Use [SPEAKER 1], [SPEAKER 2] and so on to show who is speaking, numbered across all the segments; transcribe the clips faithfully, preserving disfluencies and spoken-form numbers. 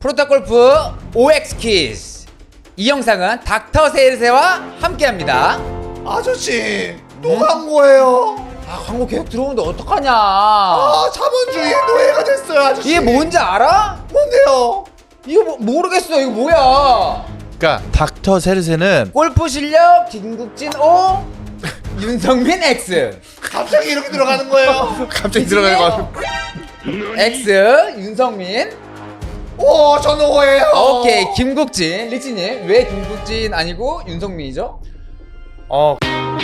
[SPEAKER 1] 프로타골프 오엑스 퀴즈. 이 영상은 닥터 세일세와 함께합니다.
[SPEAKER 2] 아저씨 또 광고예요.
[SPEAKER 1] 아, 광고 계속 들어오는데 어떡하냐.
[SPEAKER 2] 아 자본주의의 노예가 됐어요 아저씨.
[SPEAKER 1] 이게 뭔지 알아?
[SPEAKER 2] 뭔데요?
[SPEAKER 1] 이거 뭐, 모르겠어. 이거 뭐야.
[SPEAKER 3] 그러니까 닥터 세르세는
[SPEAKER 1] 골프 실력 김국진 O, 윤성민 X.
[SPEAKER 2] 갑자기 이렇게 들어가는 거예요?
[SPEAKER 3] 갑자기 들어가는 거 같아.
[SPEAKER 1] X 윤성민.
[SPEAKER 2] 오 저는 오예요.
[SPEAKER 1] 오케이 김국진. 리치님 왜 김국진 아니고 윤성민이죠?
[SPEAKER 3] 어.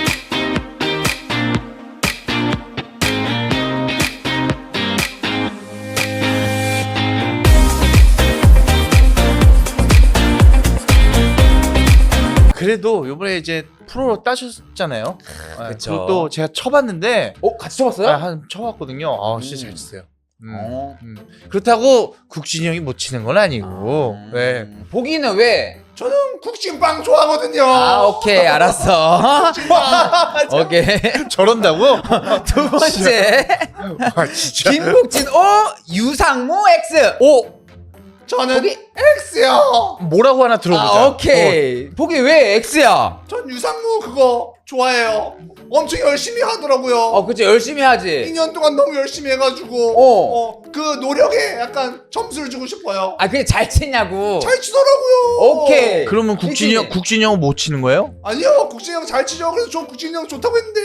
[SPEAKER 3] 그래도 요번에 이제 프로로 따셨잖아요. 아,
[SPEAKER 1] 그쵸.
[SPEAKER 3] 그것도 제가 쳐봤는데
[SPEAKER 1] 어 같이 쳐봤어요?
[SPEAKER 3] 아, 한 쳐봤거든요. 아 진짜
[SPEAKER 1] 음.
[SPEAKER 3] 잘 치세요. 음,
[SPEAKER 1] 어.
[SPEAKER 3] 음. 그렇다고 국진이 형이 못 치는 건 아니고.
[SPEAKER 1] 음.
[SPEAKER 3] 네.
[SPEAKER 1] 보기는 왜?
[SPEAKER 2] 저는 국진빵 좋아하거든요.
[SPEAKER 1] 아 오케이 알았어. 오케이.
[SPEAKER 3] 저런다고?
[SPEAKER 1] 두 번째
[SPEAKER 3] 아 진짜.
[SPEAKER 1] 김국진 O 유상무 X.
[SPEAKER 3] 오
[SPEAKER 2] 저는
[SPEAKER 1] 거기-
[SPEAKER 2] X요.
[SPEAKER 3] 뭐라고 하나 들어보자.
[SPEAKER 1] 아 오케이. 보기 왜 X야?
[SPEAKER 2] 전 유상무 그거 좋아해요. 엄청 열심히 하더라고요.
[SPEAKER 1] 어 그치 열심히 하지.
[SPEAKER 2] 이 년 동안 너무 열심히 해가지고
[SPEAKER 1] 어.
[SPEAKER 2] 어, 그 노력에 약간 점수를 주고 싶어요.
[SPEAKER 1] 아 그게 잘 치냐고.
[SPEAKER 2] 잘 치더라고요.
[SPEAKER 1] 오케이.
[SPEAKER 3] 그러면 국진이 형,
[SPEAKER 1] 리치님.
[SPEAKER 3] 국진이 형은 못 치는 거예요?
[SPEAKER 2] 아니요, 국진이 형 잘 치죠. 그래서 저 국진이 형 좋다고 했는데.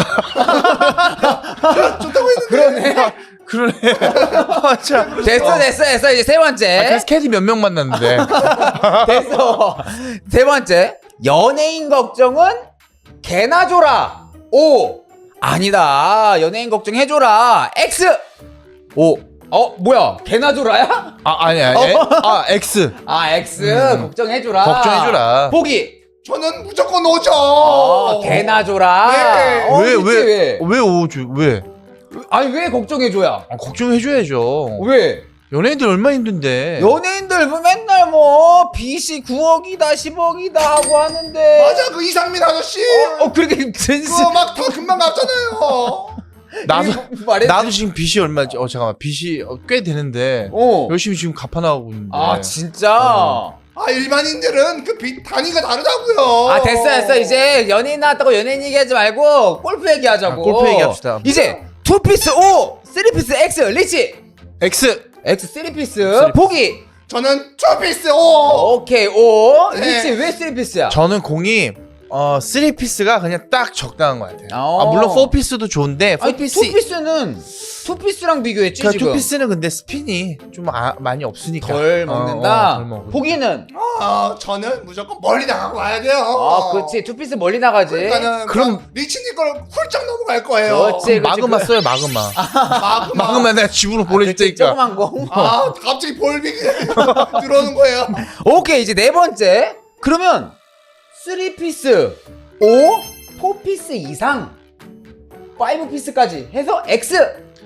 [SPEAKER 2] 좋다고 했는데.
[SPEAKER 1] 그러네.
[SPEAKER 3] 그러네. 아, 참.
[SPEAKER 1] 됐어 됐어 됐어 이제 세 번째.
[SPEAKER 3] 아, 그래서 캐디 몇 명 만났는데.
[SPEAKER 1] 됐어. 세 번째. 연예인 걱정은 개나 줘라. O. 아니다. 연예인 걱정 해줘라. X.
[SPEAKER 3] 오.
[SPEAKER 1] 어 뭐야? 개나 줘라야?
[SPEAKER 3] 아, 아니야. 에? 아, X.
[SPEAKER 1] 아 X.
[SPEAKER 3] 음.
[SPEAKER 1] 걱정해줘라.
[SPEAKER 3] 걱정해줘라.
[SPEAKER 1] 보기.
[SPEAKER 2] 저는 무조건 오죠.
[SPEAKER 1] 어, 개나 줘라.
[SPEAKER 2] 네.
[SPEAKER 1] 어,
[SPEAKER 3] 왜,
[SPEAKER 1] 그치,
[SPEAKER 3] 왜, 왜 오죠? 왜?
[SPEAKER 1] 아니 왜 걱정해줘야?
[SPEAKER 3] 아, 걱정해줘야죠.
[SPEAKER 1] 왜?
[SPEAKER 3] 연예인들 얼마나 힘든데.
[SPEAKER 1] 연예인들 뭐 맨날 뭐 빚이 구억이다 십억이다 하고 하는데.
[SPEAKER 2] 맞아, 그 이상민 아저씨.
[SPEAKER 1] 어, 어 그렇게 진실.
[SPEAKER 2] 그거 막 다 금방 갚잖아요.
[SPEAKER 3] 나도,
[SPEAKER 1] 말해.
[SPEAKER 3] 나도 지금 빚이 얼마지? 어, 잠깐만. 빚이 어, 꽤 되는데.
[SPEAKER 1] 어.
[SPEAKER 3] 열심히 지금 갚아나가고 있는데.
[SPEAKER 1] 아 진짜.
[SPEAKER 3] 어.
[SPEAKER 2] 아, 일반인들은 그 빚 단위가 다르다고요.
[SPEAKER 1] 아 됐어 됐어 이제 연예인 나왔다고 연예인 얘기하지 말고 골프 얘기하자고.
[SPEAKER 3] 아, 골프 얘기합시다.
[SPEAKER 1] 이제 투피스 O, 쓰리피스 X, 리치
[SPEAKER 3] X.
[SPEAKER 1] X 쓰리피스
[SPEAKER 3] 쓰리피스.
[SPEAKER 1] 보기.
[SPEAKER 2] 저는 투피스 오.
[SPEAKER 1] 오케이 O.
[SPEAKER 2] 네.
[SPEAKER 1] 리치 왜 쓰리피스야?
[SPEAKER 3] 저는 공이 어, 쓰리 피스가 그냥 딱 적당한 것 같아요.
[SPEAKER 1] 어.
[SPEAKER 3] 아, 물론 사 피스도 좋은데, 사
[SPEAKER 1] 아니
[SPEAKER 3] 피스.
[SPEAKER 1] 투피스는 투피스랑 비교했지
[SPEAKER 3] 그러니까
[SPEAKER 1] 지금.
[SPEAKER 3] 투 피스는 근데 스핀이 좀 아, 많이 없으니까.
[SPEAKER 1] 덜
[SPEAKER 3] 어,
[SPEAKER 1] 먹는다.
[SPEAKER 3] 어, 덜 먹으니까.
[SPEAKER 1] 보기는
[SPEAKER 2] 아, 저는 무조건 멀리 나가고 와야 돼요.
[SPEAKER 1] 아 그렇지 투피스 멀리 나가지.
[SPEAKER 2] 그러니까는
[SPEAKER 3] 그럼-
[SPEAKER 2] 그럼 리치님 걸 훌쩍 넘어갈 거예요.
[SPEAKER 1] 그렇지.
[SPEAKER 3] 마그마 써요, 마그마.
[SPEAKER 2] 마그마.
[SPEAKER 3] 마그마 내가 집으로 보내줄
[SPEAKER 1] 그렇지,
[SPEAKER 3] 테니까.
[SPEAKER 1] 조그만 공.
[SPEAKER 2] 아, 갑자기 볼빅이 들어오는 거예요.
[SPEAKER 1] 오케이 이제 네 번째. 그러면 쓰리 피스 O, 사 피스 이상 오 피스까지 해서 X.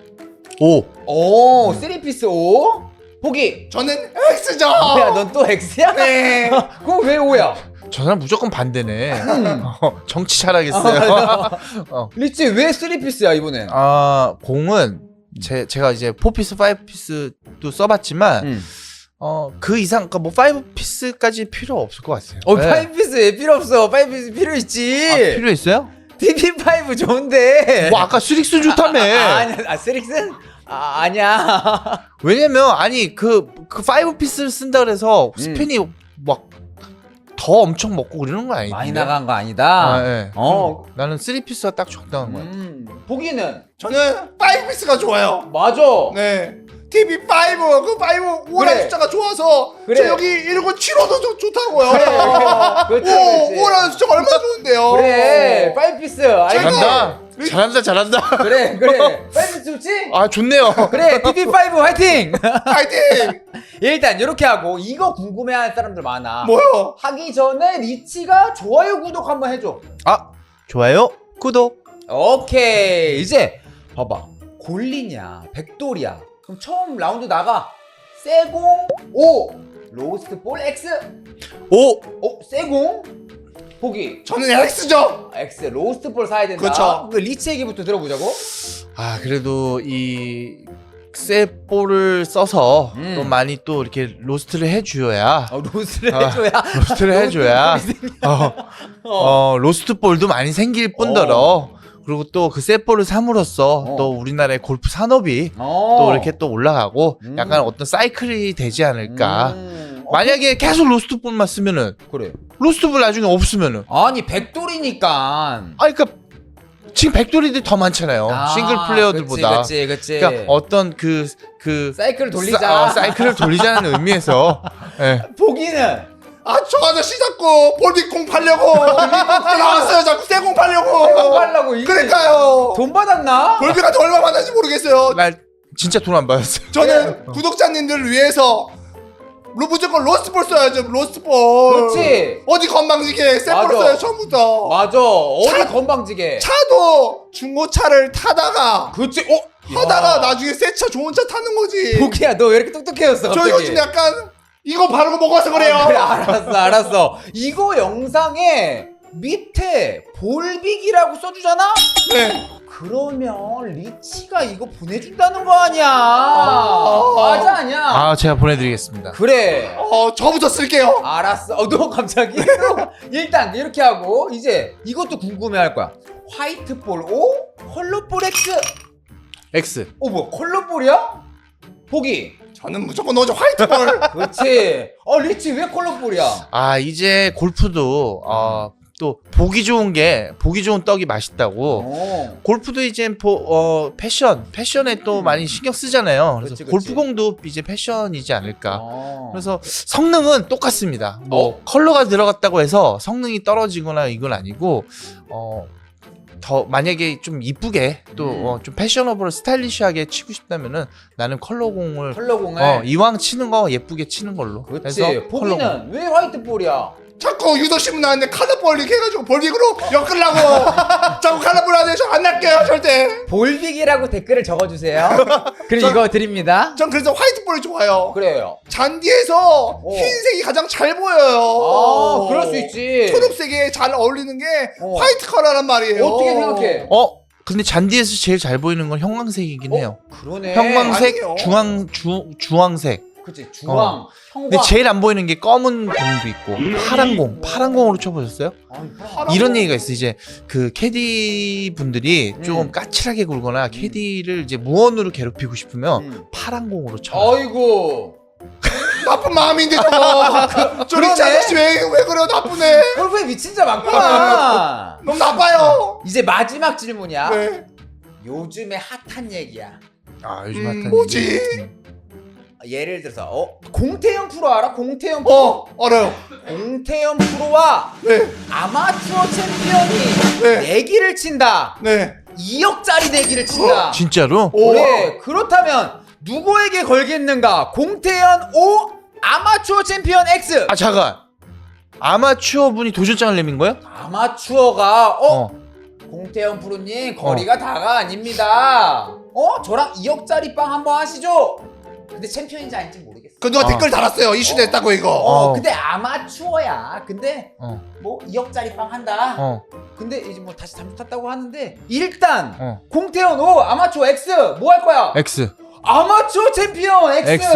[SPEAKER 3] 오.
[SPEAKER 1] 오, 쓰리 피스 O. 보기.
[SPEAKER 2] 저는 X죠.
[SPEAKER 1] 야, 넌 또 X야?
[SPEAKER 2] 네.
[SPEAKER 1] 그럼 왜 O야?
[SPEAKER 3] 저 사람 무조건 반대네.
[SPEAKER 1] 음.
[SPEAKER 3] 어, 정치 잘하겠어요. 어.
[SPEAKER 1] 리치 왜 쓰리 피스야 이번엔?
[SPEAKER 3] 아, 공은 제, 제가 이제 사 피스, 오 피스도 써봤지만,
[SPEAKER 1] 음.
[SPEAKER 3] 어, 그 이상, 그러니까 뭐 오 피스까지 필요 없을 것 같아요.
[SPEAKER 1] 어,
[SPEAKER 3] 네.
[SPEAKER 1] 오 피스 왜 필요 없어? 오 피스 필요 있지.
[SPEAKER 3] 아, 필요 있어요?
[SPEAKER 1] 티비 오 좋은데.
[SPEAKER 3] 뭐 아까 스릭스 좋다며.
[SPEAKER 1] 아, 아니야. 아, 쓰릭슨? 아, 아니야.
[SPEAKER 3] 왜냐면 아니 그 그 오 피스를 쓴다 그래서
[SPEAKER 1] 음.
[SPEAKER 3] 스핀이 막 더 엄청 먹고 그러는 건 아닌데.
[SPEAKER 1] 많이 나간 거 아니다.
[SPEAKER 3] 아, 네.
[SPEAKER 1] 어.
[SPEAKER 3] 음, 나는 쓰리 피스가 딱 적당한 거야.
[SPEAKER 1] 음. 보기는
[SPEAKER 2] 저는 오 피스가 좋아요.
[SPEAKER 1] 맞아.
[SPEAKER 2] 네. 티비 오, 그 오, 오라는
[SPEAKER 1] 그래.
[SPEAKER 2] 숫자가 좋아서
[SPEAKER 1] 그래.
[SPEAKER 2] 저 여기 일구칠오도 좋, 좋다고요.
[SPEAKER 1] 그래. 그렇지, 그렇지.
[SPEAKER 2] 오, 오라는 숫자가 얼마나 좋은데요.
[SPEAKER 1] 그래. 오 피스. 아이고.
[SPEAKER 3] 잘한다. 잘한다. 잘한다.
[SPEAKER 1] 그래, 그래. 오 피스 좋지?
[SPEAKER 3] 아 좋네요.
[SPEAKER 1] 그래. 티비 오 화이팅.
[SPEAKER 2] 파이팅.
[SPEAKER 1] 일단 이렇게 하고 이거 궁금해하는 사람들 많아.
[SPEAKER 2] 뭐요?
[SPEAKER 1] 하기 전에 리치가 좋아요 구독 한번 해줘.
[SPEAKER 3] 아 좋아요. 구독.
[SPEAKER 1] 오케이. 이제 봐봐. 골리냐 백돌이야. 그럼 처음 라운드 나가. 세공 O, 로스트 볼 X.
[SPEAKER 3] 오.
[SPEAKER 1] 어, 세공 보기.
[SPEAKER 2] 저는 X죠.
[SPEAKER 1] X 로스트 볼 사야 된다.
[SPEAKER 2] 그쵸.
[SPEAKER 1] 그 리치 얘기부터 들어보자고.
[SPEAKER 3] 아 그래도 이 쇠볼을 써서
[SPEAKER 1] 음.
[SPEAKER 3] 또 많이 또 이렇게 로스트를 해줘야
[SPEAKER 1] 어, 로스를
[SPEAKER 3] 아,
[SPEAKER 1] 해줘야.
[SPEAKER 3] 로스트를 해줘야 어, 어, 로스트 볼도 많이 생길 뿐더러 그리고 또 그 쇠볼을 삼으로써
[SPEAKER 1] 어.
[SPEAKER 3] 또 우리나라의 골프 산업이
[SPEAKER 1] 어.
[SPEAKER 3] 또 이렇게 또 올라가고
[SPEAKER 1] 음.
[SPEAKER 3] 약간 어떤 사이클이 되지 않을까.
[SPEAKER 1] 음. 어,
[SPEAKER 3] 만약에 계속 로스트 볼만 쓰면은
[SPEAKER 1] 그래.
[SPEAKER 3] 로스트 볼 나중에 없으면은
[SPEAKER 1] 아니 백돌이니까.
[SPEAKER 3] 아니 그러니까 지금 백돌이들 더 많잖아요.
[SPEAKER 1] 아,
[SPEAKER 3] 싱글 플레이어들보다.
[SPEAKER 1] 그치, 그치, 그치.
[SPEAKER 3] 그러니까 어떤 그 그
[SPEAKER 1] 사이클을 돌리자.
[SPEAKER 3] 사, 어, 사이클을 돌리자는 의미에서 예.
[SPEAKER 1] 보기는
[SPEAKER 2] 아 저 아저씨 자꾸 볼빅공 팔려고 나왔어요. 자꾸 새공 팔려고.
[SPEAKER 1] 새공 팔려고 이게
[SPEAKER 2] 그러니까요.
[SPEAKER 1] 돈 받았나?
[SPEAKER 2] 볼빅한테 얼마 받는지 모르겠어요.
[SPEAKER 3] 날 진짜 돈 안 받았어요.
[SPEAKER 2] 저는 구독자님들을 위해서 로 무조건 로스트볼 써야죠. 로스트볼.
[SPEAKER 1] 그렇지.
[SPEAKER 2] 어디 건방지게 셀볼
[SPEAKER 1] 맞아.
[SPEAKER 2] 써요 처음부터.
[SPEAKER 1] 맞아. 어디
[SPEAKER 2] 차-
[SPEAKER 1] 건방지게.
[SPEAKER 2] 차도 중고차를 타다가
[SPEAKER 1] 그렇지. 어?
[SPEAKER 2] 하다가
[SPEAKER 1] 야.
[SPEAKER 2] 나중에 새 차 좋은 차 타는 거지.
[SPEAKER 1] 보기야 너 왜 이렇게 똑똑해졌어
[SPEAKER 2] 저
[SPEAKER 1] 갑자기?
[SPEAKER 2] 요즘 약간 이거 바르고 먹어서 그래요.
[SPEAKER 1] 아, 그래 알았어 알았어. 이거 영상에 밑에 볼빅이라고 써주잖아?
[SPEAKER 2] 네.
[SPEAKER 1] 그러면 리치가 이거 보내준다는 거 아니야.
[SPEAKER 2] 아.
[SPEAKER 1] 맞아 아니야?
[SPEAKER 3] 아 제가 보내드리겠습니다.
[SPEAKER 1] 그래.
[SPEAKER 2] 어 저부터 쓸게요.
[SPEAKER 1] 알았어. 어, 너 갑자기? 일단 이렇게 하고 이제 이것도 궁금해할 거야. 화이트볼 O, 컬러볼 X.
[SPEAKER 3] X.
[SPEAKER 1] 어 뭐야 컬러볼이야? 보기.
[SPEAKER 2] 저는 무조건 넣어줘 화이트볼.
[SPEAKER 1] 그렇지. 어 리치 왜 컬러볼이야?
[SPEAKER 3] 아 이제 골프도 어, 또 보기 좋은 게 보기 좋은 떡이 맛있다고.
[SPEAKER 1] 어.
[SPEAKER 3] 골프도 이제 보, 어, 패션 패션에 또 많이 신경 쓰잖아요. 그래서
[SPEAKER 1] 그치, 그치.
[SPEAKER 3] 골프공도 이제 패션이지 않을까.
[SPEAKER 1] 어.
[SPEAKER 3] 그래서 성능은 똑같습니다. 뭐
[SPEAKER 1] 어?
[SPEAKER 3] 컬러가 들어갔다고 해서 성능이 떨어지거나 이건 아니고 어, 더 만약에 좀 이쁘게 또
[SPEAKER 1] 음.
[SPEAKER 3] 어, 좀 패셔너블 스타일리시하게 치고 싶다면은 나는 컬러공을
[SPEAKER 1] 컬러공을.
[SPEAKER 3] 어, 이왕 치는 거 예쁘게 치는 걸로.
[SPEAKER 1] 그렇지.
[SPEAKER 3] 해서
[SPEAKER 1] 보기는
[SPEAKER 3] 컬러공.
[SPEAKER 1] 왜 화이트볼이야?
[SPEAKER 2] 자꾸 유도신문 나왔는데 카드볼 이렇게 해가지고 볼빅으로 엮으려고. 자꾸 카드볼 하는데 저 안 낚여요 절대.
[SPEAKER 1] 볼빅이라고 댓글을 적어주세요. 그리고
[SPEAKER 2] 저-
[SPEAKER 1] 이거 드립니다.
[SPEAKER 2] 전 그래서 화이트볼이 좋아요.
[SPEAKER 1] 그래요.
[SPEAKER 2] 잔디에서
[SPEAKER 1] 어.
[SPEAKER 2] 흰색이 가장 잘 보여요.
[SPEAKER 1] 아, 그럴 수 있지.
[SPEAKER 2] 초록색에 잘 어울리는 게
[SPEAKER 1] 어.
[SPEAKER 2] 화이트 컬러란 말이에요.
[SPEAKER 1] 어떻게 생각해?
[SPEAKER 3] 어 근데 잔디에서 제일 잘 보이는 건 형광색이긴 해요.
[SPEAKER 1] 그러네.
[SPEAKER 3] 형광색,
[SPEAKER 2] 아니에요.
[SPEAKER 3] 중앙 주 주황색.
[SPEAKER 1] 그치 주황, 형광.
[SPEAKER 3] 근데 제일 안 보이는 게 검은 공도 있고 파란 공, 파란 공으로 쳐보셨어요?
[SPEAKER 1] 아니,
[SPEAKER 2] 파란
[SPEAKER 3] 이런
[SPEAKER 2] 공.
[SPEAKER 3] 얘기가 있어. 이제 그 캐디 분들이 조금
[SPEAKER 1] 음.
[SPEAKER 3] 까칠하게 굴거나 캐디를 이제 무언으로 괴롭히고 싶으면
[SPEAKER 1] 음.
[SPEAKER 3] 파란 공으로 쳐.
[SPEAKER 1] 어이구.
[SPEAKER 2] 나쁜 마음인데 저거. 저 리치
[SPEAKER 1] 그러네.
[SPEAKER 2] 아저씨 왜, 왜 그래요 나쁘네.
[SPEAKER 1] 골프에 미친 자 많구나.
[SPEAKER 2] 너무 나빠요.
[SPEAKER 1] 이제 마지막 질문이야.
[SPEAKER 2] 네.
[SPEAKER 1] 요즘에 핫한 얘기야.
[SPEAKER 3] 아 요즘
[SPEAKER 2] 음,
[SPEAKER 3] 핫한
[SPEAKER 2] 뭐지?
[SPEAKER 3] 얘기. 음.
[SPEAKER 1] 예를 들어서 어 공태현 프로 알아? 공태현 프로.
[SPEAKER 2] 어 알아요.
[SPEAKER 1] 공태현 프로와
[SPEAKER 2] 네.
[SPEAKER 1] 아마추어 챔피언이
[SPEAKER 2] 네.
[SPEAKER 1] 내기를 친다.
[SPEAKER 2] 네.
[SPEAKER 1] 이억짜리 내기를 친다.
[SPEAKER 3] 진짜로?
[SPEAKER 2] 오.
[SPEAKER 1] 그래. 그렇다면 누구에게 걸겠는가? 공태현 O, 아마추어 챔피언 X.
[SPEAKER 3] 아 잠깐. 아마추어 분이 도전장을 내민 거예요?
[SPEAKER 1] 아마추어가 어,
[SPEAKER 3] 어.
[SPEAKER 1] 공태현 프로님 거리가 다가 아닙니다. 어 저랑 이억짜리 빵 한번 하시죠. 근데 챔피언인지 아닌지 모르겠어.
[SPEAKER 2] 그 누가
[SPEAKER 3] 어.
[SPEAKER 2] 댓글 달았어요. 이슈 됐다고 이거.
[SPEAKER 1] 어,
[SPEAKER 3] 어.
[SPEAKER 1] 근데 아마추어야. 근데
[SPEAKER 3] 어.
[SPEAKER 1] 뭐 이억짜리 빵 한다.
[SPEAKER 3] 어.
[SPEAKER 1] 근데 이제 뭐 다시 잠수 탔다고 하는데 일단
[SPEAKER 3] 어.
[SPEAKER 1] 공태현 O, 아마추어 X 뭐 할 거야?
[SPEAKER 3] X.
[SPEAKER 1] 아마추어 챔피언 X.
[SPEAKER 3] X.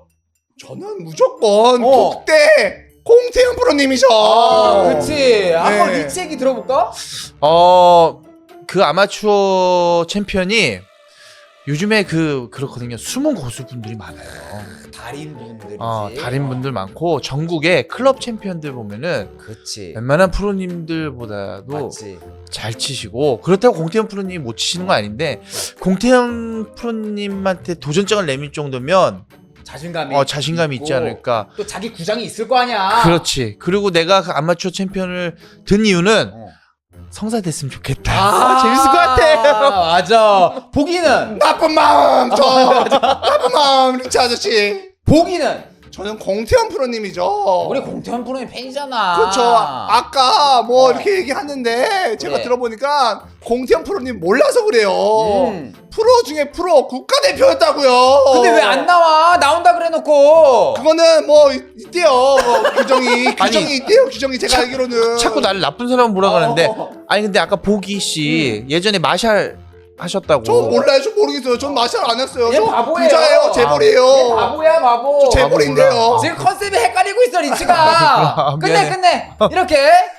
[SPEAKER 2] 저는 무조건
[SPEAKER 1] 어.
[SPEAKER 2] 독대 공태현 프로님이죠.
[SPEAKER 1] 아, 그치. 한번
[SPEAKER 2] 네.
[SPEAKER 1] 리치 얘기 들어볼까?
[SPEAKER 3] 어, 그 아마추어 챔피언이 요즘에 그 그렇거든요. 숨은 고수분들이 많아요.
[SPEAKER 1] 달인분들이지.
[SPEAKER 3] 어, 달인분들 많고 전국에 클럽 챔피언들 보면은
[SPEAKER 1] 그치.
[SPEAKER 3] 웬만한 프로님들보다도
[SPEAKER 1] 맞지.
[SPEAKER 3] 잘 치시고 그렇다고 공태현 프로님이 못 치시는 건 아닌데 공태현 프로님한테 도전장을 내밀 정도면
[SPEAKER 1] 자신감이
[SPEAKER 3] 어, 자신감이 있지
[SPEAKER 1] 있고
[SPEAKER 3] 않을까.
[SPEAKER 1] 또 자기 구장이 있을 거 아니야.
[SPEAKER 3] 그렇지. 그리고 내가 그 아마추어 챔피언을 든 이유는
[SPEAKER 1] 어.
[SPEAKER 3] 성사 됐으면 좋겠다.
[SPEAKER 1] 아,
[SPEAKER 3] 재밌을 것 같아.
[SPEAKER 1] 맞아. 보기는
[SPEAKER 2] 나쁜 마음 저 나쁜 마음 리치 아저씨.
[SPEAKER 1] 보기는
[SPEAKER 2] 저는 공태현 프로님이죠.
[SPEAKER 1] 우리 공태현 프로님 팬이잖아.
[SPEAKER 2] 그렇죠. 아까 뭐
[SPEAKER 1] 어.
[SPEAKER 2] 이렇게 얘기하는데 제가
[SPEAKER 1] 그래.
[SPEAKER 2] 들어보니까 공태현 프로님 몰라서 그래요.
[SPEAKER 1] 음.
[SPEAKER 2] 프로 중에 프로 국가대표였다고요.
[SPEAKER 1] 근데 왜 안 나와? 나온다 그래놓고.
[SPEAKER 2] 그거는 뭐 있- 있대요. 뭐 규정이 규정이 있대요. 규정이 제가 알기로는
[SPEAKER 3] 자꾸 나를 나쁜 사람 몰아가는데
[SPEAKER 1] 어.
[SPEAKER 3] 아니 근데 아까 보기 씨
[SPEAKER 1] 음.
[SPEAKER 3] 예전에 마샬 하셨다고.
[SPEAKER 2] 저 몰라요. 저 모르겠어요. 전 마샬 안 했어요.
[SPEAKER 1] 얘
[SPEAKER 2] 저
[SPEAKER 1] 바보예요.
[SPEAKER 2] 부자예요. 재벌이에요.
[SPEAKER 1] 얘 바보야 바보.
[SPEAKER 2] 저 재벌인데요.
[SPEAKER 1] 지금 컨셉이 헷갈리고 있어 리치가.
[SPEAKER 3] 아,
[SPEAKER 1] 끝내
[SPEAKER 3] 미안해.
[SPEAKER 1] 끝내. 이렇게